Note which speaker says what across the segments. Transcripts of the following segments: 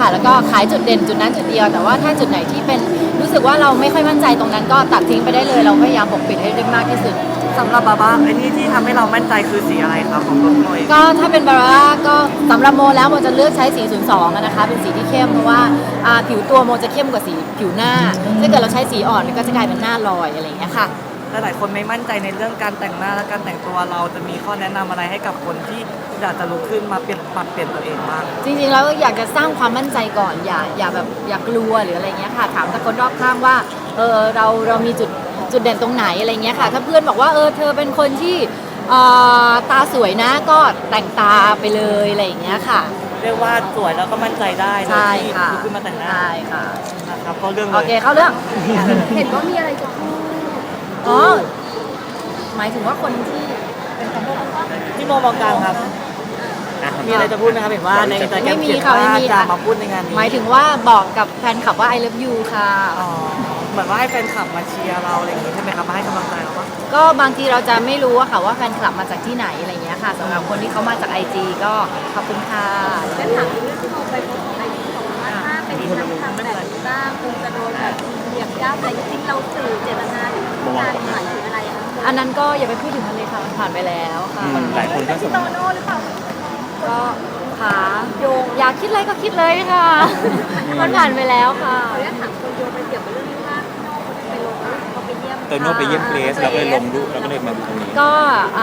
Speaker 1: ค่ะแล้วก็ขายจุดเด่นจุดนั้นจุดเดียวแต่ว่าถ้าจุดไหนที่เป็นรู้สึกว่าเราไม่ค่อยมั่นใจตรงนั้นก็ตัดทิ้งไปได้เลยเราพยายามปกปิดให้ได้มากที่สุด
Speaker 2: สำหรับบาบ้าไอ้นี่ที่ทำให้เรามั่นใจคือสีอะไรครับของต้นโมย
Speaker 1: ก็ถ้าเป็นบาร่าก็สำหรับโมแล้วโมจะเลือกใช้สี02นะคะเป็นสีที่เข้มเพราะว่าผิวตัวโมจะเข้มกว่าสีผิวหน้าถ้าเกิดเราใช้สีอ่อนก็จะกลายเป็นหน้าลอยอะไรอย่างเงี้ยค่ะ
Speaker 2: หลายคนไม่มั่นใจในเรื่องการแต่งหน้าและการแต่งตัวเราจะมีข้อแนะนำอะไรให้กับคนที่อยากจะลุกขึ้นมาปรับเปลี่ยนตัวเองบ้าง
Speaker 1: จริงๆแล้วอยากจะสร้างความมั่นใจก่อนอย่าแบบอย่ากลัวหรืออะไรเงี้ยค่ะถามแต่คนรอบข้างว่าเรามีจุดเด่นตรงไหนอะไรเงี้ยค่ะถ้าเพื่อนบอกว่าเธอเป็นคนที่ตาสวยนะก็แต่งตาไปเลยอะไรอย่างเงี้ยค่ะ
Speaker 2: เรียกว่าสวยแล้วก็มั่นใจได้
Speaker 1: ใช่ค่ะ
Speaker 2: ลุกขึ้นมาแต่งหน้า
Speaker 1: ใช่ค่ะ
Speaker 2: นะครับก็เรื่องเลย
Speaker 1: โอเคเข้าเรื่อง
Speaker 3: เห็นว่ามีอะไรจะพูด
Speaker 1: อ๋อหมายถึงว่าคนที่เป็นคน
Speaker 2: ที่โมมองกลางครับมีอะไรจะพูดไหมครับเห็นว่าในอินสตาแกรมเขียนว่าจะมาพูดในงานนี้
Speaker 1: หมายถึงว่าบอกกับแฟนคลับว่า I love you ค่ะ
Speaker 2: เหมือนว่าให้แฟนคลับมาเชียร์เราอะไรอย่างงี้ใช่ไหมครับมาให้กำลังใจเราปะ
Speaker 1: ก็บางทีเราจะไม่รู้อะค่ะว่าแฟนคลับมาจากที่ไหนอะไรเงี้ยค่ะสำหรับคนที่เขามาจาก IG ก็ขอบคุณค่ะ
Speaker 3: แล้วถามเรื่องที่เราไปโพสต์ของไอจีของว่าถ้าเป็นทางทำแบบนี้บ้างคงจะโดนแบบเหยียบย่ำอะไรจริงๆเราสื่อเจตนาที่ต้องการหมายถึงอะไรอะ
Speaker 1: อันนั้นก็อย่าไปพูดถึงมันเลยค่ะมันผ่านไปแล้วค่ะ
Speaker 4: หลายคนก็สง
Speaker 3: โตโน่หรือเปล่า
Speaker 1: ก็ขาโยงอยากคิดอะไรก็คิดเลยค่ะ มันผ่านไปแล้วค่ะ
Speaker 3: ขออนุญาตถามคนโยงไปเกี่ยวกับเรื่องที่ว่าโน่ไปลงเขาไปเยี่ยม
Speaker 4: โตโน่ไปเยี่ยมเกรซแล้วก็เลยลงรูปแล้วก็เลยมาตรงนี้
Speaker 1: ก็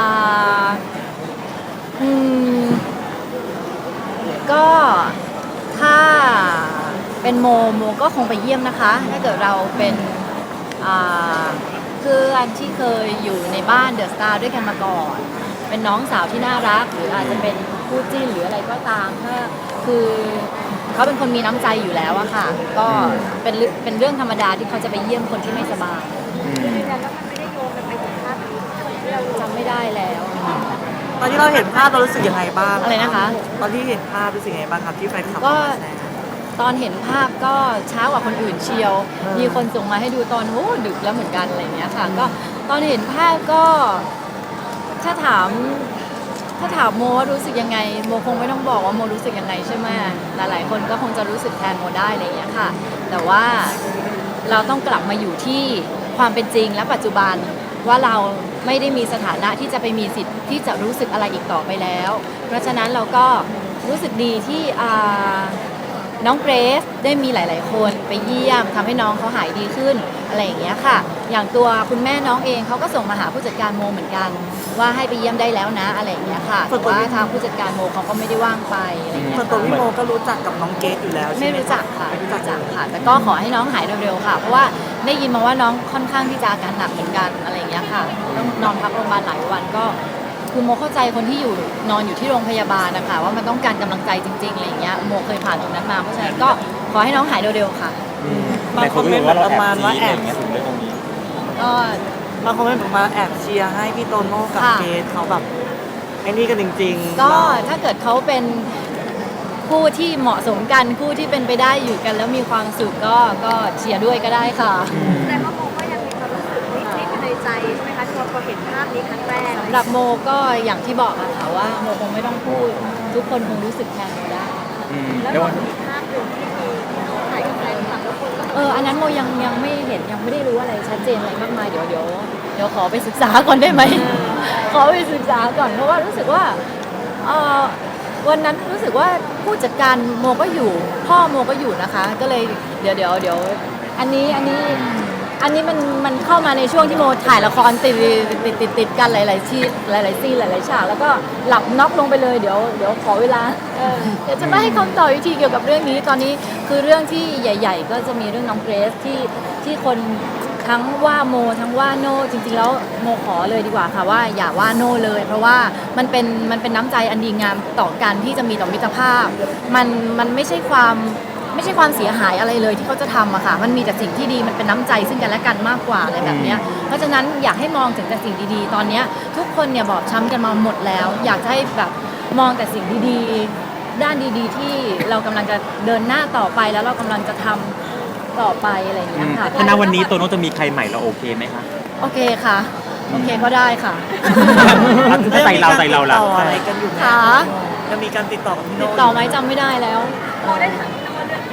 Speaker 1: ก็ถ้าเป็นโมก็คงไปเยี่ยมนะคะถ้าเกิดเราเป็นเพื่อนที่เคยอยู่ในบ้านเดอะสตาร์ด้วยกันมาก่อนเป็นน้องสาวที่น่ารักหรืออาจจะเป็นคู่จิ้นหรืออะไรก็ตามถ้าคือเขาเป็นคนมีน้ำใจอยู่แล้วอะค่ะก็เป็นเรื่องธรรมดาที่เขาจะไปเยี่ยมคนที่ไม่สบาย
Speaker 3: ยืนยันว่ามันไม่ได้โยงกันไปถึงภาพนี้ที่เรา
Speaker 1: จำไม่ได้แล้ว
Speaker 2: ตอนที่เราเห็นภาพเรารู้สึกยังไงบ้าง
Speaker 1: อะไรนะคะ
Speaker 2: ตอนที่เห็นภาพรู้สึกยังไงบ้างครับที่แฟนคลับ
Speaker 1: ก็ตอนเห็นภาพก็เช้ากว่าคนอื่นเชียวมีคนส่งมาให้ดูตอนดึกแล้วเหมือนกันอะไรเงี้ยค่ะก็ตอนเห็นภาพก็ถ้าถามโมว่ารู้สึกยังไงโมคงไม่ต้องบอกว่าโมรู้สึกยังไงใช่ไหมหลายๆคนก็คงจะรู้สึกแทนโมได้อะไรอย่างเงี้ยค่ะแต่ว่าเราต้องกลับมาอยู่ที่ความเป็นจริงและปัจจุบันว่าเราไม่ได้มีสถานะที่จะไปมีสิทธิ์ที่จะรู้สึกอะไรอีกต่อไปแล้วเพราะฉะนั้นเราก็รู้สึกดีที่น้องเกรซได้มีหลายๆคนไปเยี่ยมทำให้น้องเขาหายดีขึ้นอะไรอย่างเงี้ยค่ะอย่างตัวคุณแม่น้องเองเขาก็ส่งมาหาผู้จัดการโมเหมือนกันว่าให้ไปเยี่ยมได้แล้วนะอะไรอย่างเงี้ยค่ะแต่ว่าทางผู้จัดการโมเขาก็ไม่ได้ว่างไปอะไรอย่างเงี้ย
Speaker 2: ส่วนตัวพี่โมก็รู้จักกับน้องเกดอยู่แล้ว
Speaker 1: ไม่รู้จักค่ะไม่รู้จักค่ะแต่ก็ขอให้น้องหายเร็วๆค่ะเพราะว่าได้ยินมาว่าน้องค่อนข้างที่จะอาการหนักเหมือนกันอะไรอย่างเงี้ยค่ะต้องนอนพักโรงพยาบาลหลายวันก็คือโมเข้าใจคนที่นอนอยู่ที่โรงพยาบาลนะคะว่ามันต้องการกำลังใจจริงๆอะไรอย่างเงี้ยโมเคยผ่านตรงนั้นมาเพราะฉะนั้นก็ขอให้น้องหายเร็วๆค่ะ
Speaker 2: บางคนเป็นประมาณว่าแอบ
Speaker 4: ถึงเรื่องตรงนี้
Speaker 1: ก็
Speaker 2: บางคนเป็นประมาณแอบเชียร์ให้พี่โตโน่กับเกดเขาแบบไอ้นี่กันจริง
Speaker 1: ๆก็ถ้าเกิดเขาเป็นคู่ที่เหมาะสมกันคู่ที่เป็นไปได้อยู่กันแล้วมีความสุขก็เชียร์ด้วยก็ได้ค่ะ
Speaker 3: แต่ว่าโมก็ยังมีความรู้สึกนิดๆในใจใช่ไหมคะที่พอเห็นภาพนี้ครั้งแรก
Speaker 1: สำหรับโมก็อย่างที่บอกอะค่ะว่าโมคงไม่ต้องพูดทุกคนคงรู้สึกแทนโมได้
Speaker 3: แล้วก็มีภาพหนึ่งที่มีถ่ายกับแฟนคลับแล้วคนก็
Speaker 1: อันนั้นโมยังไม่เห็นยังไม่ได้รู้อะไรชัดเจนอะไรมากมายเดี๋ยวขอไปศึกษาก่อนได้ไหม ขอไปศึกษาก่อนเพราะว่ารู้สึกว่าวันนั้นรู้สึกว่าผู้จัดการโมก็อยู่พ่อโมก็อยู่นะคะก็เลยเดี๋ยวอันนี้มันเข้ามาในช่วงที่โมถ่ายละครติดกันหลายๆที่หลายๆซีนหลายๆฉากแล้วก็หลับน็อกลงไปเลยเดี๋ยวขอเวลาเดี๋ยวจะไม่ให้คำตอบวิธีเกี่ยวกับเรื่องนี้ตอนนี้คือเรื่องที่ใหญ่ๆก็จะมีเรื่องน้องเกรซที่คนทั้งว่าโมทั้งว่าโน่จริงๆแล้วโมขอเลยดีกว่าค่ะว่าอย่าว่าโน่เลยเพราะว่ามันเป็นน้ำใจอันดีงามต่อกันที่จะมีต่อมิตรภาพมันไม่ใช่ความเสียหายอะไรเลยที่เขาจะทำอะค่ะมันมีแต่สิ่งที่ดีมันเป็นน้ำใจซึ่งกันและกันมากกว่าอะไรแบบนี้เพราะฉะนั้นอยากให้มองถึงแต่สิ่งดีๆตอนนี้ทุกคนเนี่ยบอบช้ำกันมาหมดแล้วอยากให้แบบมองแต่สิ่งดีๆด้านดีๆที่เรากำลังจะเดินหน้าต่อไปแล้วเรากำลังจะทำต่อไปอะไรอย่างเงี้ยค่ะ
Speaker 4: ถ้าณวันนี้โตโน่จะมีใครใหม่เราโอเคไหมคะ
Speaker 1: โอเคค่ะโอเคก็ได้ค่ะ
Speaker 4: ใจเราล่ะ
Speaker 2: อะไรกันอยู่
Speaker 1: ค่ะ
Speaker 2: จะมีการติดต่อกับพี่โน่
Speaker 1: ติดต่อไหมจำไม่ได้แล้ว
Speaker 3: โมได้ถามพี่โน่เรื่อง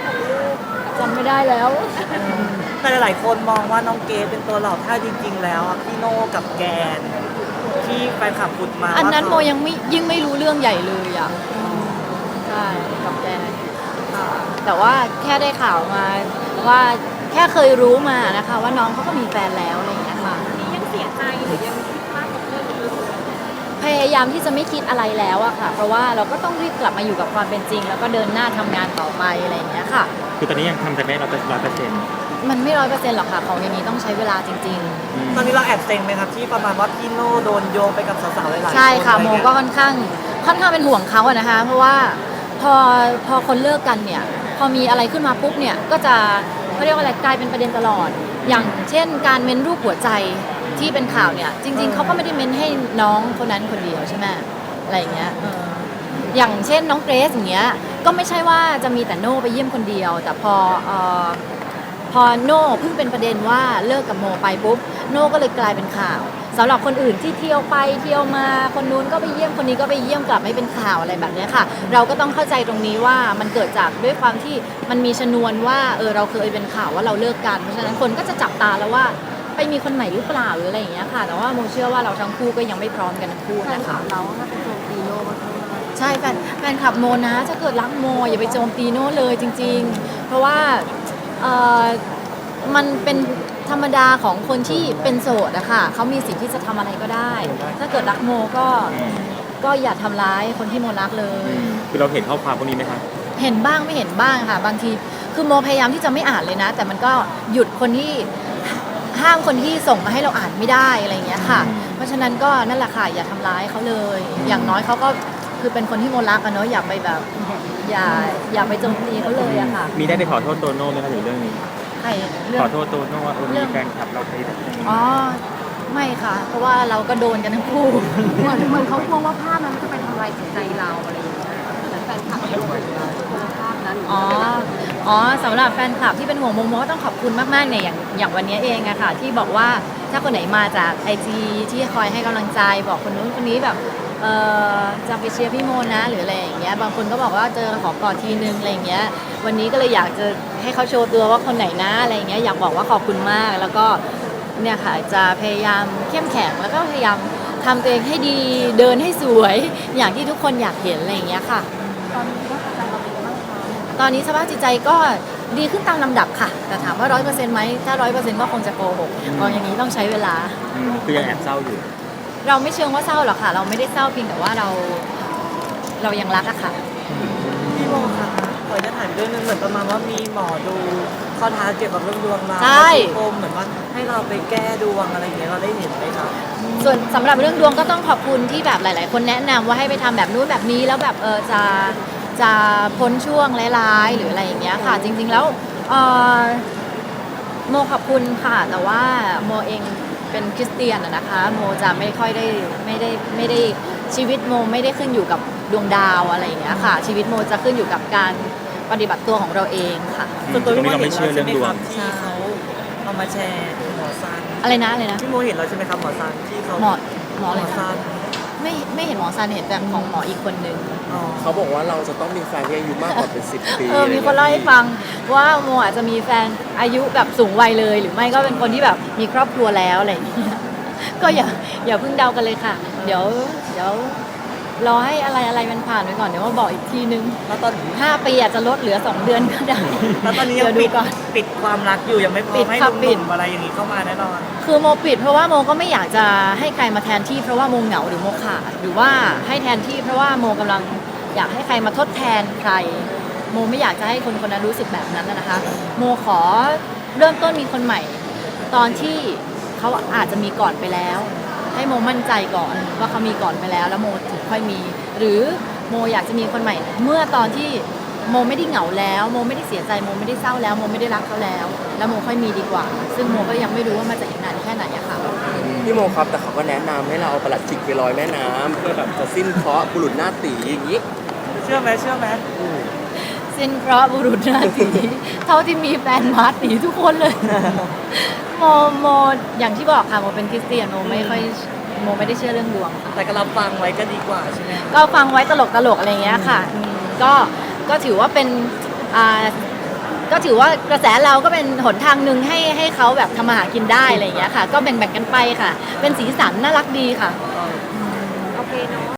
Speaker 1: ไม่ได้แล้ว
Speaker 2: แต่หลายๆคนมองว่าน้องเกดเป็นตัวหลอกถ้าจริง ๆ แล้วอะพี่โน่กับแกนที่แฟนคลับพูดมา
Speaker 1: อันนั้นโม
Speaker 2: ว่า
Speaker 1: ยังไม่ยิ่งไม่รู้เรื่องใหญ่เลยอ่ะใช่กับแกค่ะแต่ว่าแค่ได้ข่าวมาว่าแค่เคยรู้มานะคะว่าน้องเขาก็มีแฟนแล้วอะไรอย่างเงี้ยค่ะ
Speaker 3: นี่ยังเสียใจหรือยังคิดมากกับเรื่องนี้
Speaker 1: พยายามที่จะไม่คิดอะไรแล้วอะค่ะ เพราะว่าเราก็ต้องรีบกลับมาอยู่กับความเป็นจริง แล้วก็เดินหน้าทำงานต่อไปอะไรอย่างเงี้ยค่ะ
Speaker 4: คือตอนนี้ยังทำใจไม่100%
Speaker 1: มันไม่100%หรอกค่ะของอย่างนี้ต้องใช้เวลาจริง
Speaker 2: ตอนนี้เราแอบเซ็งไหมครับที่ประมาณว่าพี่โน่โดนโยงไปกับสาวๆหลายๆคน
Speaker 1: ๆ ใช่ค่ะ
Speaker 2: อไร
Speaker 1: โม
Speaker 2: เงี้ย
Speaker 1: ก็ค่อนข้างเป็นห่วงเขาอะนะคะ เพราะว่าพอคนเลิกกันเนี่ย พอมีอะไรขึ้นมาปุ๊บเนี่ยก็จะเขาเรียกว่าอะไรกลายเป็นประเด็นตลอด อย่างเช่นการเม้นรูปหัวใจที่เป็นข่าวเนี่ยจริง ๆเขาก็ไม่ได้เม้นให้น้องคนนั้นคนเดียวใช่ไหมอะไรอย่างเงี้ยอย่างเช่นน้องเกรซอย่างเงี้ยก็ไม่ใช่ว่าจะมีแต่โน่ไปเยี่ยมคนเดียว แต่พอโน่เพิ่งเป็นประเด็นว่าเลิกกับโมไปปุ๊บโน่ก็เลยกลายเป็นข่าวสำหรับคนอื่นที่เที่ยวไปเที่ยวมาคนนู้นก็ไปเยี่ยมคนนี้ก็ไปเยี่ยมกลับไม่เป็นข่าวอะไรแบบเนี้ยค่ะ เราก็ต้องเข้าใจตรงนี้ว่ามันเกิดจากด้วยความที่มันมีชนวนว่าเราเคยเป็นข่าวว่าเราเลิกกันเพราะฉะนั้นคนก็จะจับตาแล้วว่าไปมีคนใหม่หรือเปล่าหรืออะไรอย่างเงี้ยค่ะแต่ว่าโมเชื่อว่าเราทั้งคู่ก็ยังไม่พร้อมกันทั้งคู่นะคะ
Speaker 3: เราถ้าเป็นโจมตีโน่ก็
Speaker 1: ใช่แฟนคลับโมนะถ้าเกิดรักโมอย่าไปโจมตีโน่เลยจริง ๆ เพราะว่ามันเป็นธรรมดาของคนที่เป็นโสดอะค่ะเขามีสิทธิ์ที่จะทำอะไรก็ได้ ถ้าเกิดรักโมก็อย่าทำร้ายคนที่โมรักเลย
Speaker 4: คือเราเห็นข้อความพวกนี้ไหมคะ
Speaker 1: เห็นบ้างไม่เห็นบ้างค่ะ บางทีคือโมพยายามที่จะไม่อ่านเลยนะ แต่มันก็หยุดคนที่ห้ามคนที่ส่งมาให้เราอ่านไม่ได้อะไรอย่างเงี้ยค่ะ เพราะฉะนั้นก็นั่นแหละค่ะอย่าทำร้ายเขาเลย อย่างน้อยเขาก็คือเป็นคนที่โมรักอะเนาะอย่าไปแบบอย่าไปโจมตีเขาเลยอะค่ะ
Speaker 4: มีได้ไปขอโทษโตโน่ไหมคะถึงเรื่องนี้
Speaker 1: ใครเรื่อ
Speaker 4: ของ โทษโตโน่ว่ามีแฟนคลับเราไปแบบ
Speaker 1: อ๋อไม่ค่ะ เพราะว่าเราก็โดนกันทั้งคู่
Speaker 3: เหมือนเขากลัวว่าภาพนั้นจะไปทำลายจิตใจเราอะไรอย่างเงี้ยเหมือนแฟนคลับที่กลัวภาพนั้น
Speaker 1: อ๋อสำหรับแฟนคลับที่เป็นห่วงโมโมก็ต้องขอบคุณมากๆเนี่ยอย่างวันนี้เองอะค่ะที่บอกว่าถ้าคนไหนมาจาก IG ที่คอยให้กำลังใจบอกคนนู้นคนนี้แบบจะไปเชียร์พี่โมนะหรืออะไรอย่างเงี้ยบางคนก็บอกว่าเจอขอกอดทีนึงอะไรอย่างเงี้ยวันนี้ก็เลยอยากจะให้เขาโชว์ตัวว่าคนไหนนะอะไรอย่างเงี้ยอยากบอกว่าขอบคุณมากแล้วก็เนี่ยค่ะจะพยายามเข้มแข็งแล้วก็พยายามทำตัวเองให้ดีเดินให้สวยอย่างที่ทุกคนอยากเห็นอะไรอย่างเงี้ยค่ะ
Speaker 3: ตอนนี้ว่าใจเราเป็นยังไงบ้างคะ
Speaker 1: ตอนนี้สภาพจิตใจก็ดีขึ้นตามลำดับค่ะ แต่ถามว่า100%ไหมถ้า100%ก็คงจะโกหกเพราะอย่างนี้ต้องใช้เวลา
Speaker 4: คือยังแอบเศร้าอยู่
Speaker 1: เราไม่เชิงว่าเศร้าหรอกค่ะ เราไม่ได้เศร้าเพียงแต่ว่าเรายังรักอะค่ะ
Speaker 2: พี่โมคะขอจะถามเรื่องนึงเหมือนประมาณว่ามีหมอดูข้อท้าเกี่ยวกับเรื่องดวงเรา
Speaker 1: ใช่
Speaker 2: โมเหมือนว่าให้เราไปแก้ดวงอะไรอย่างเงี้ยเราได้เห็นไหมครับ
Speaker 1: ส่วนสำหรับเรื่องดวงก็ต้องขอบคุณที่แบบหลาย ๆ คนแนะนำว่าให้ไปทำแบบนู้นแบบนี้แล้วแบบจะพ้นช่วงร้ายๆหรืออะไรอย่างเงี้ยค่ะ จริง ๆ แล้วโมขอบคุณค่ะ แต่ว่าโมเองเป็นคริสเตียนอะนะคะโมจะไม่ค่อยได้ไม่ได้ชีวิตโมไม่ได้ขึ้นอยู่กับดวงดาวอะไรอย่างเงี้ยค่ะ ชีวิตโมจะขึ้นอยู่กับการปฏิบัติตัวของเราเองค่ะ
Speaker 2: ส่วนตัวพี่โม
Speaker 4: ตรงนี้เราไม่
Speaker 2: เห็น
Speaker 4: เชื่อ
Speaker 2: แล้ว
Speaker 4: เรื่
Speaker 2: ใช่
Speaker 4: อง
Speaker 2: ไหม
Speaker 4: ดวง
Speaker 2: ครับที่เขาเอามาแชร์หมอซัน
Speaker 1: อะไรนะ
Speaker 2: พี่โมเห็นแล้วใช่ไหมครับหมอซันที่เขา
Speaker 1: หมออะไร
Speaker 2: หมอ
Speaker 1: นะ
Speaker 2: ซัน
Speaker 1: ไม่เห็นหมอซันเห็นแต่ของหมออีกคนนึง
Speaker 2: อ๋อ
Speaker 5: เขาบอกว่าเราจะต้องมีแฟนที่อายุมากกว่าเป็น10 ปี
Speaker 1: มีคนเล่าให้ฟังว่าโมอาจจะมีแฟนอายุแบบสูงวัยเลย หรือไม่ก็เป็นคนที่แบบมีครอบครัวแล้วอะไรอย่างเงี้ยก็อย่าเพิ่งเดากันเลยค่ะ เดี๋ยวรอให้อะไรมันผ่านไปก่อนเดี๋ยวมาบอกอีกทีนึง
Speaker 2: แล้วตอน
Speaker 1: 5 ปีอาจจะลดเหลือ 2 เดือนก็ได้
Speaker 2: แล้วตอนนี้ยั
Speaker 1: เดี๋ยว
Speaker 2: ง
Speaker 1: ดู
Speaker 2: ปิด
Speaker 1: ก่อน
Speaker 2: ปิดความรักอยู่ยังไม่พร้อ
Speaker 1: ปิ
Speaker 2: ม
Speaker 1: ด
Speaker 2: ให้
Speaker 1: ค่ะ
Speaker 2: ห
Speaker 1: ปิ
Speaker 2: นุ่
Speaker 1: ด
Speaker 2: มๆอะไรอย่างนี้เข้ามาแน่นอน
Speaker 1: คือโมปิดเพราะว่าโมก็ไม่อยากจะให้ใครมาแทนที่เพราะว่าโมเหงาหรือโมขาดหรือว่าให้แทนที่เพราะว่าโมกำลังอยากให้ใครมาทดแทนใคร โมไม่อยากจะให้คนคนนั้นรู้สึกแบบนั้นนะคะ โมขอเริ่มต้นมีคนใหม่ ตอนที่เขาอาจจะมีก่อนไปแล้ว ให้โมมั่นใจก่อนว่าเขามีก่อนไปแล้วแล้วโมถึงค่อยมี หรือโมอยากจะมีคนใหม่ เมื่อตอนที่โมไม่ได้เหงาแล้วโมไม่ได้เสียใจโมไม่ได้เศร้าแล้วโมไม่ได้รักเขาแล้ว แล้วโมค่อยมีดีกว่า ซึ่งโมก็ยังไม่รู้ว่ามันจะอีกนานแค่ไหนอะค่ะ
Speaker 5: พี่โมครับแต่เขาก็แนะนำให้เราเอาประหลัดขิกไปลอยแม่น้ำเพื่อแบบจะสิ้นเคราะห์บุรุษหน้าตีอย่างนี้
Speaker 2: เชื่อไหม
Speaker 1: สิ้นเพราะห์บุรุษหน้าตีเท่าที่มีแฟนมาตีทุกคนเลย โมอย่างที่บอกค่ะโมเป็นคริสเตียนโมไม่ได้เชื่อเรื่องดวงค่ะ
Speaker 2: แต่ก็รับฟังไว้ก็ดีกว่าใช่ไหม
Speaker 1: ก็ฟังไว้ตลกอะไรอย่างเงี้ยค่ะก็ถือว่าเป็นก็ถือว่ากระแสเราก็เป็นหนทางหนึ่งให้เขาแบบทำมาหากินได้อะไรอย่างเงี้ยค่ะ ก็แบ่งๆกันไปค่ะ เป็นสีสันน่ารักดีค่ะ
Speaker 3: โอเคเนาะ